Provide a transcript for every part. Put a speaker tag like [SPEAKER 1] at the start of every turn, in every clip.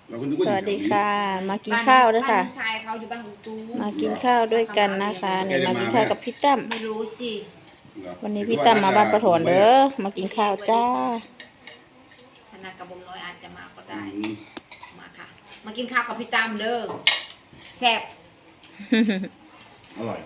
[SPEAKER 1] เราก็นึกว่า
[SPEAKER 2] ส
[SPEAKER 1] อยู่
[SPEAKER 2] วัส
[SPEAKER 1] แถ
[SPEAKER 2] ดี
[SPEAKER 1] วนี้
[SPEAKER 2] ค่ะ มากินข้าวด้วยค่ะ
[SPEAKER 3] บ้านชายเขาอยู่บ้านของตู
[SPEAKER 2] มากินข้าวด้วยกันนะคะเนี่ยมากินข้าวกับพี่ตั้ม
[SPEAKER 3] ไม่รู้สิ
[SPEAKER 1] เหรอ
[SPEAKER 2] วันนี้พี่ตั้มมาบ้านประถอนเด้อมากินข้าวจ้า
[SPEAKER 3] ธนากระบมน้อยอาจจะมาก็
[SPEAKER 1] อื
[SPEAKER 3] ได้
[SPEAKER 1] ม
[SPEAKER 3] มาค่ะ มากินข้าวกับพี่ตั้มเด้อแซ่บ
[SPEAKER 1] อร่อย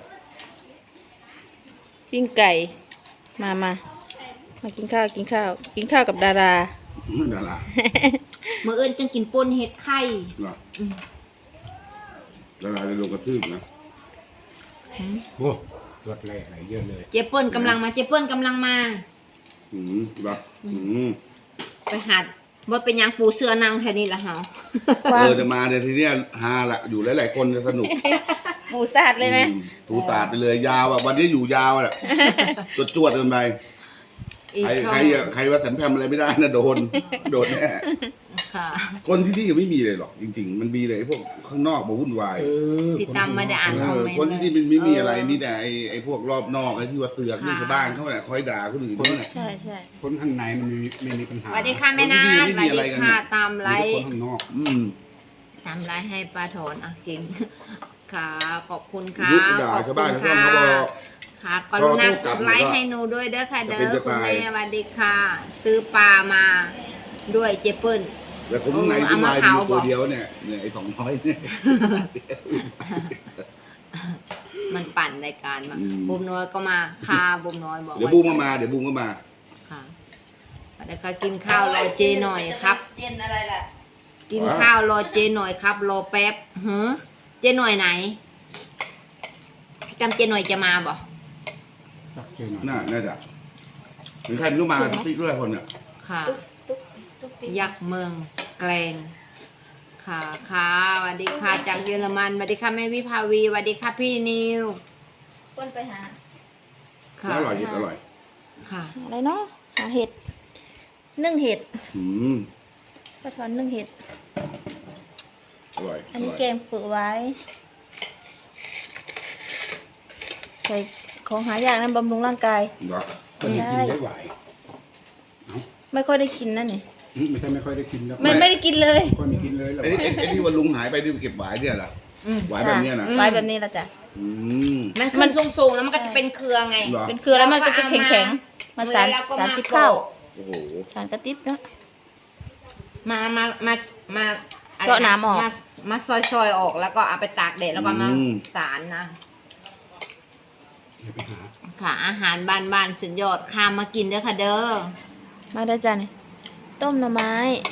[SPEAKER 2] ปิ้งไก่มากินข้าวกินข้าวกับดารา
[SPEAKER 1] ดารา
[SPEAKER 3] เมื่อเอิญจังกินป่นเห็ดไข่
[SPEAKER 1] เหรอดาราจะลงกระทืบนะ
[SPEAKER 4] โอ้รวดแรกอะไรเยอะเลย
[SPEAKER 3] เจ๊เปิ้ลกำลังมาเจ๊เปิ้ลกำลังมา
[SPEAKER 1] เหรอ
[SPEAKER 3] ไปหัดบ่เป็นหยังปูเสื้อนางแถวนี้ละเฮา
[SPEAKER 1] จะมาเดี๋ยวทีเนี้ยฮาละอยู่หลายๆคนจะสนุก
[SPEAKER 2] หมูสาดเลยไหม
[SPEAKER 1] ถูตาดไปเลยยาวแบบวันนี้อยู่ยาวแหละจวดกันไป
[SPEAKER 3] อีก
[SPEAKER 1] ใครว่าสันแพมอะไรไม่ได้นะโดนแน่
[SPEAKER 3] ค่ะ
[SPEAKER 1] คนที่นี่ยังไม่มีเลยหรอกจริงๆมันมีเลยไอ้พวกข้างนอกมาวุ่นวาย
[SPEAKER 3] พี่ตั้มไม่ได้อ่านคอมเมนต์
[SPEAKER 1] คนที่นี่มันไม่มีอะไรมีแต่ไอ้พวกรอบนอกไอ้ที่ว่าเสือกนี่ชาวบ้านเขาเนี่ยคอยด่าคนอื่นเขาเนี่ย
[SPEAKER 2] ใช่ใช่
[SPEAKER 4] คนข้างในมันไม่มีปัญหา
[SPEAKER 3] สวัสดีค่ะแม่นาสวัสดีค่ะตามไล
[SPEAKER 4] มีแต่
[SPEAKER 3] ฟ์
[SPEAKER 4] คนข้างนอก
[SPEAKER 3] ตามไลฟ์ให้ป้าถอนอ่ะจริงค่ะขอบคุณค่ะ
[SPEAKER 1] ยุบด่าชาวบ้านชาวช่องเขาบอก
[SPEAKER 3] ค่ะกรุณากดไลค์ให้หนูด้วยเด้อค่ะเด้อคุณแม่สวัสดีค่ะ ซื้อปลามาด้วยเจเปิ้ล
[SPEAKER 1] แล้วคนข้างในที่มาอยู่ตัวเดียวเนี่ยไอ้200เนี่ย
[SPEAKER 3] มันปั่นรายการมาบุมน้อยก็มาค่ะบุมน้อยบอก
[SPEAKER 1] เดี๋ยวบูมก็มา
[SPEAKER 3] ค่ะเดี๋ยวก็กินข้าวรอเจหน่อยครับ
[SPEAKER 2] เย็นอะไรล่ะ
[SPEAKER 3] กินข้าวรอเจหน่อยครับรอแป๊บเจหน่อยไหนจำเจหน่อยจะมาบ่
[SPEAKER 4] ตักเจอหน่อย
[SPEAKER 1] น่าจะถึงใครไม่รู้มาที่ด้วยคนเนี่ย
[SPEAKER 3] ค่ะยักษ์เมืองแกลงค่ะค่ะสวัสดีค่ะจากเยอรมันสวัสดีค่ะแม่วิภาวีสวัสดีค่ะพี่นิว
[SPEAKER 2] คนไปหา
[SPEAKER 3] ค่ะ
[SPEAKER 1] อร่อยอร่อย
[SPEAKER 3] ค่ะ
[SPEAKER 2] อะไรเนาะหาเห็ดนึ่งเห็ด
[SPEAKER 1] ม
[SPEAKER 2] ประถอนนึ่งเห็ด
[SPEAKER 1] อร่อย
[SPEAKER 2] อันนี้แกงเปลือกไว้ ใส่ของหายากนั้นบำรุงร่างกาย
[SPEAKER 1] เหรอ
[SPEAKER 4] คนที่กินได้ไหว
[SPEAKER 2] ไม่ค่อยได้กินนั่นนี่
[SPEAKER 4] ไม่ใช่ไม่ค่อยได้กินแล้ว
[SPEAKER 2] ไม่ได้กินเลย
[SPEAKER 4] คนไม่กินเลยแล้ว
[SPEAKER 1] ไอ้ที่วันลุงหายไปที่เก็บหวายเนี่ยเหรอหวายแบบเนี้ยนะ
[SPEAKER 2] ไว้แบบนี้ละจ้ะ
[SPEAKER 3] มันสูงๆแล้วมันก็จะเป็นเครือไง
[SPEAKER 1] เหรอ
[SPEAKER 2] เป็นเครือแล้วมันก็จะแข็งๆมาสาร
[SPEAKER 3] แล้วก็
[SPEAKER 2] สารติดข้าว
[SPEAKER 1] โอ้โห
[SPEAKER 2] สารกระติบเนาะ
[SPEAKER 3] มา
[SPEAKER 2] เสาะน้ำออก
[SPEAKER 3] มาซอยออกแล้วก็เอาไปตากแดดแล้วก็มาสารนะ
[SPEAKER 4] เดี๋ยวไปหา
[SPEAKER 3] ค่ะอาหารบ้านๆสุดยอดข้ามมากินเด้อค่ะเด้อ
[SPEAKER 2] มาได้จ้ะนี่ต้มหน่อไม้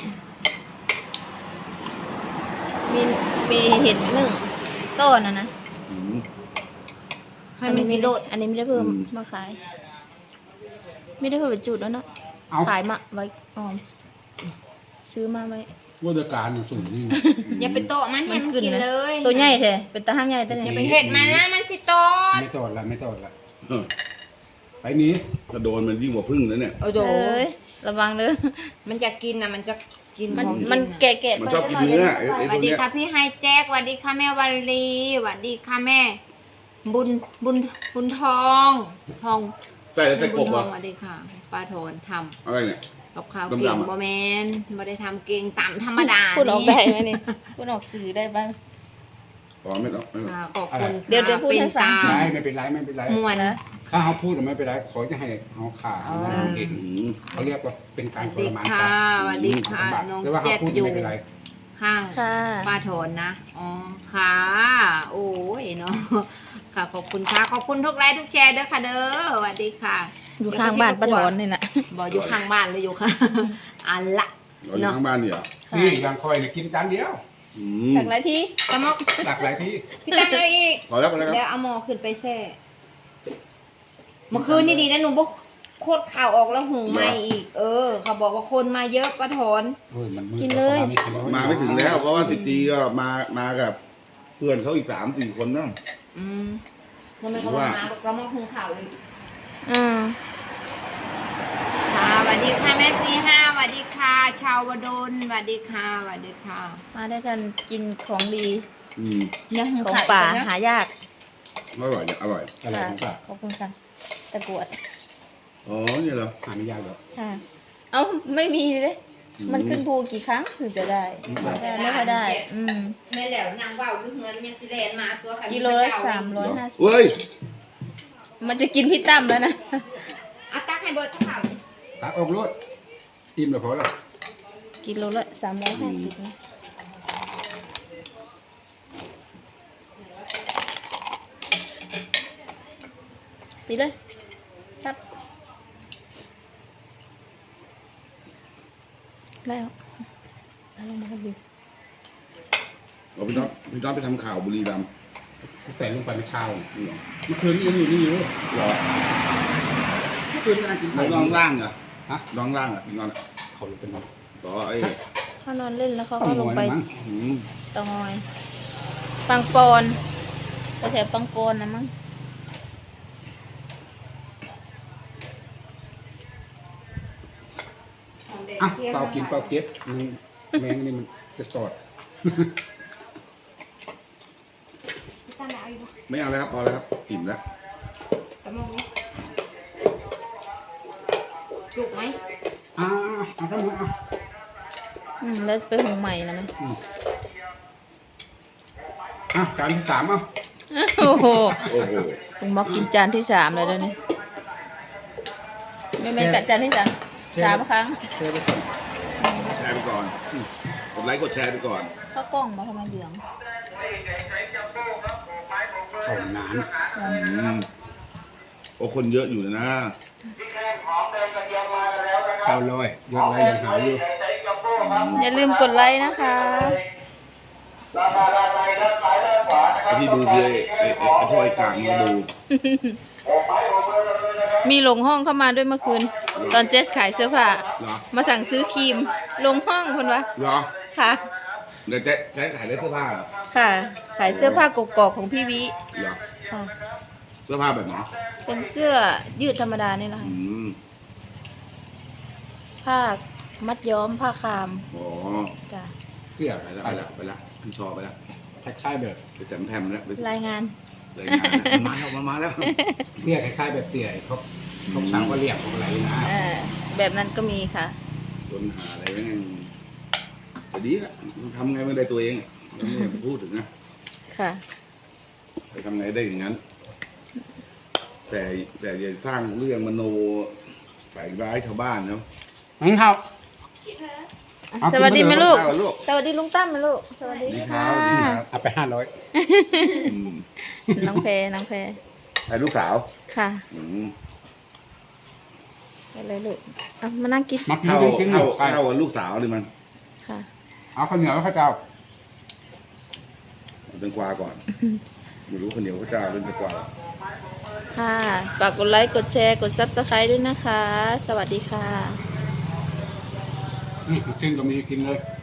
[SPEAKER 2] มีเห็ดนึ่งต้นนะ
[SPEAKER 1] อืม
[SPEAKER 3] ให้มันมีโลด
[SPEAKER 2] อันนี้ไม่ได้เพิ่ม
[SPEAKER 1] อืม
[SPEAKER 2] มาขาย ไม่ได้เพิ่มเป็นจุดแล้วเนาะ
[SPEAKER 4] เอา
[SPEAKER 2] ขายมาไว้ออมซื้อมาไว้
[SPEAKER 4] วัตการสูงนี่
[SPEAKER 3] อย่าไปโตะมันให้มันกินเลย
[SPEAKER 2] ตัวใหญ่แท้เป็นตาห้างใหญ่ตัว
[SPEAKER 3] อย่า
[SPEAKER 2] นี้
[SPEAKER 3] ไปเห็ดมันนะมันสิโตด
[SPEAKER 4] ไม่ตอดละไปนี้
[SPEAKER 1] กระโดนมันยิ่งกว่าพึ่งแล้วเนี่ย
[SPEAKER 3] โอ้โห
[SPEAKER 2] เอ้ยระวังเด้อ
[SPEAKER 3] มันจะกินนะมันจะกิน
[SPEAKER 2] มัน
[SPEAKER 3] ของกิ
[SPEAKER 2] มัน
[SPEAKER 3] ะ
[SPEAKER 2] แก่
[SPEAKER 1] มัน
[SPEAKER 2] ๆ
[SPEAKER 1] ชอบกินเนื้อไอ้
[SPEAKER 3] ส
[SPEAKER 1] พ
[SPEAKER 3] วั
[SPEAKER 1] ว
[SPEAKER 3] ส
[SPEAKER 1] ก
[SPEAKER 3] ดี
[SPEAKER 1] เนี้ย
[SPEAKER 3] ค่ะพี่ไฮแจ็คสวัสดีค่ะแม่วันลีสวัสดีค่ะแม่ บุญทองทอง
[SPEAKER 1] ใส่แล้วใส่ก
[SPEAKER 3] บุ
[SPEAKER 1] บ
[SPEAKER 3] ญท
[SPEAKER 1] เหร
[SPEAKER 3] อ
[SPEAKER 1] อง
[SPEAKER 3] สวัสดีค่ะป้าโทนท
[SPEAKER 1] อะไรเนี่ย
[SPEAKER 3] ำกับข้าว
[SPEAKER 1] ดำๆ
[SPEAKER 3] เก่ง
[SPEAKER 1] อะ
[SPEAKER 3] บ่แมนบ่ได้ทำเก่งต่ำธรรมดา
[SPEAKER 2] พูดออกได้ไหมนี่พูดออกสื่อได้บ้าง
[SPEAKER 1] อ๋อไม่หรอก
[SPEAKER 3] ค่ะขอบคุณ
[SPEAKER 2] เดี๋ยวพูด
[SPEAKER 3] เป็น
[SPEAKER 2] ให้ฟัง
[SPEAKER 3] ตา
[SPEAKER 4] ไม่เป็นไรไม่เป็นไร
[SPEAKER 3] มวน
[SPEAKER 2] นะ
[SPEAKER 4] ถ้าเขาพูดไม่เป็นไรขอจะให้เขาขาเห็น
[SPEAKER 1] อืม
[SPEAKER 4] เขาเรียกว่าเป็น
[SPEAKER 3] ส
[SPEAKER 4] การ
[SPEAKER 3] วัส
[SPEAKER 4] ท
[SPEAKER 3] ดี
[SPEAKER 4] รมาน
[SPEAKER 3] ค่ะ
[SPEAKER 4] สัตว์
[SPEAKER 3] สวัสดีค่ะน้อง
[SPEAKER 4] แต่ว่าเขา
[SPEAKER 3] เจ็ด
[SPEAKER 4] พูด
[SPEAKER 3] อยู่
[SPEAKER 4] ไม่เป็นไร
[SPEAKER 3] ข้าง
[SPEAKER 2] ค่ะ
[SPEAKER 3] ป้าโทนนะอ๋อค่ะโอ้ยเนาะค่ะขอบคุณค่ะขอบคุณทุกไลค์ทุกแชร์เด้อค่ะเด้อสวัสดีค่ะ
[SPEAKER 2] อยู่ข้างบ้านป้าถอนนี่แหละ
[SPEAKER 3] บอกอยู่ข้างบ้านเลยอยู่ค่ะ อันละ
[SPEAKER 1] เราอยู่ข้างบ้านเนี่ยเหรอ
[SPEAKER 4] นี่ยังคอยเนี่ยกินจานเดียว
[SPEAKER 1] อืม
[SPEAKER 2] จากไรที่
[SPEAKER 3] ตะมอก
[SPEAKER 4] ตักหลายที่
[SPEAKER 3] พี่ตั้งเอาอีก
[SPEAKER 1] พอแล้วครับ
[SPEAKER 3] แล้วเอาหมอขึ้นไปแช่เมื่อคืนนี่ดีนะหนูบอกโคตรข่าวออกแล้วหุงไหมอีก เขาบอกว่าคนมาเยอะป้าถอน
[SPEAKER 4] มันมื
[SPEAKER 2] กินเลย
[SPEAKER 1] มาไม่ถึงแล้วเพราะว่าติตีก็มากับเพื่อนเขาอีก3-4 คนนั่น
[SPEAKER 3] อืมทำไมเขามาเรามาหุงข่าวเลย
[SPEAKER 2] อืม
[SPEAKER 3] ค่ะสวัสดีค่ะแม่ซีห้าสวัสดีค่ะ ชาววดลสวัสดีค่ะสวัสดีค่ะ
[SPEAKER 2] มาได้กันกินของดี
[SPEAKER 1] อืม
[SPEAKER 3] ยังหุง
[SPEAKER 2] ของ
[SPEAKER 3] ข่าว
[SPEAKER 2] ป่า
[SPEAKER 3] อีกนะ
[SPEAKER 2] หายาก
[SPEAKER 1] อร่อยเนี่ยอร่อย
[SPEAKER 4] อะไรของป้า
[SPEAKER 2] ขอบคุณค่ะตะกรวด
[SPEAKER 1] อ๋อเนี่ยเหรอ
[SPEAKER 4] หาไม่ยากหรอก
[SPEAKER 2] ค่ะ เอ้าไม่มีเลยมันขึ้นภูกี่ครั้งถึงจะได้ไม่ค่อยได้
[SPEAKER 3] แม่แล้วนางว่าวอยู่เฮือนยังสิแลนมาตัวคัน
[SPEAKER 2] กิโลละ350
[SPEAKER 1] เว้ย
[SPEAKER 2] มันจะกินพี่ตั้มแล้วนะ
[SPEAKER 3] เอาตักให้เบิดข้าวนี่
[SPEAKER 4] ตักออกรถอิ่มแล้วพอแล้ว
[SPEAKER 2] กิโลละ350นะตีเลยครับแล้วเอาลงมาครับดิ
[SPEAKER 1] เอาพี่น้องไปทำข่าวบุรีรัมย์
[SPEAKER 4] แต่ลงไปเมื่อเช้า
[SPEAKER 1] นี่เหรอ
[SPEAKER 4] เมื่อคืนนี้ยังอยู่นี่อยู่
[SPEAKER 1] เหรอ
[SPEAKER 4] เมื่อคืนกำลังกิน
[SPEAKER 1] น้
[SPEAKER 4] ข้าว
[SPEAKER 1] องล่างเหรอ
[SPEAKER 4] ฮะ
[SPEAKER 1] น้องล่างเหรอพี่น้อง
[SPEAKER 4] เขาลงเป็น
[SPEAKER 1] ต่อไอ้
[SPEAKER 2] เขานอนเล่นแล้วเขา
[SPEAKER 4] ต้อ
[SPEAKER 2] ก็
[SPEAKER 4] ง
[SPEAKER 2] ล
[SPEAKER 4] ง
[SPEAKER 2] ง
[SPEAKER 4] อย
[SPEAKER 2] ไป
[SPEAKER 4] มั้ง
[SPEAKER 1] อืม
[SPEAKER 2] เตางอย ปังปอนแถวปังปอนนะมั้ง
[SPEAKER 4] อ่ะเฝ้ากินเฝ้าเก็บแมงนี่มันจะสอด
[SPEAKER 3] ตั้งเอาอยู่
[SPEAKER 1] ไม่เอาแล้วครับพอแล้วครับอิ่มแล้ว
[SPEAKER 3] ตะมงนี่จุกไหม
[SPEAKER 4] เอาทั้งหมดเอา
[SPEAKER 2] แล้วไปหุงใหม่นะมั้ย
[SPEAKER 4] จานที่สามเอา
[SPEAKER 2] โอ้โห
[SPEAKER 1] โอ้โห
[SPEAKER 2] ลุงม็อกกินจานที่3เลยเดี๋ยวนี้ไม่เป็นกัดจานที่3 ครั้ง
[SPEAKER 4] เทไปก่อน
[SPEAKER 1] แชร์ไปก่อนกดไลค์กดแชร์ไปก่อน
[SPEAKER 2] ข้าวกล้องมาทำไมเหลือง
[SPEAKER 4] เข้านาน
[SPEAKER 1] อืมโอ้คนเยอะอยู่นะ
[SPEAKER 4] 900ยอดไลค์ยังหายอยู่
[SPEAKER 2] อย่าลืมกดไลค์นะคะ
[SPEAKER 1] ไอ้ที่ดูคือไอ้ช่วยกลางมาดู
[SPEAKER 2] มีหลงห้องเข้ามาด้วยเมื่อคืน ตอนเจสขายเสื้อผ้า
[SPEAKER 1] เหรอ
[SPEAKER 2] มาสั่งซื้อครีมลงห้องคนวะ
[SPEAKER 1] เหรอ
[SPEAKER 2] ค่ะ
[SPEAKER 1] เดี๋ยวจะขายได้เสื้อผ้าเหรอ
[SPEAKER 2] ค่ะ ขายเสื้อผ้ากกอกของพี่วิ
[SPEAKER 1] เหรอ
[SPEAKER 2] ค่ะ
[SPEAKER 1] เสื้อผ้าแบบไหน
[SPEAKER 2] เป็นเสื้อยืดธรรมดานี่แหละ
[SPEAKER 1] อื
[SPEAKER 2] ค่ะ
[SPEAKER 1] ม
[SPEAKER 2] ผ้ามัดย้อมผ้าคาม
[SPEAKER 1] อ๋อ
[SPEAKER 2] จ้ะ
[SPEAKER 4] เสื้อ
[SPEAKER 1] ไปแล้วไปแล้วพี่ชอไปแล้ว
[SPEAKER 4] คล้ายๆแบบ
[SPEAKER 1] ไปแซมแพมแล้วไป
[SPEAKER 2] รายงาน
[SPEAKER 1] รายงานแล้วมันมาแล้ว
[SPEAKER 4] เสื้อคล้ายๆแบบเตี่ยเขาช่างว่าเรียกของอะไรนะ
[SPEAKER 2] แบบนั้นก็มีค่ะ
[SPEAKER 1] โดนหาอะไรแม่งแต่ดีอะมันทำไงไม่ได้ตัวเองอะเราไม่อยากไปพูดถึงนะ
[SPEAKER 2] ค่ะ
[SPEAKER 1] ไปทำไงได้อย่างนั้น แต่อย่าสร้างเรื่องมโนใส่ร้ายชาวบ้านเนาะ
[SPEAKER 4] งั้นเขา
[SPEAKER 2] สวัสดีไหมลูก
[SPEAKER 1] เอาลูก
[SPEAKER 2] สวัสดีลุงตั้มไหมลูก สวัสดี
[SPEAKER 1] ดีครั
[SPEAKER 2] ค่ะ
[SPEAKER 1] บดีครับ
[SPEAKER 4] เอาไป500
[SPEAKER 1] อืม
[SPEAKER 2] น้องเพน้องเพ
[SPEAKER 1] ไอ้ลูกสาว
[SPEAKER 2] ค่ะ
[SPEAKER 1] อืม
[SPEAKER 2] ไปเลยลูกเอามานั่งกิน
[SPEAKER 4] มัก
[SPEAKER 1] เท่า
[SPEAKER 4] กิน
[SPEAKER 1] เท่า
[SPEAKER 4] ไป
[SPEAKER 1] เท่ากับลูกสาวเลยมัน
[SPEAKER 2] ค่ะ
[SPEAKER 4] เอาข้าวเหนียวแล้วข้าวเจ้า
[SPEAKER 1] เป็นกวาก่อนไม่รู้คนเดียวก็จะเป็นกวา
[SPEAKER 2] ค่ะ ฝากกดไลค์ กดแชร์ กด Subscribe ด้วยนะคะ สวัสดีค่ะ
[SPEAKER 4] กินก็มีกินเลย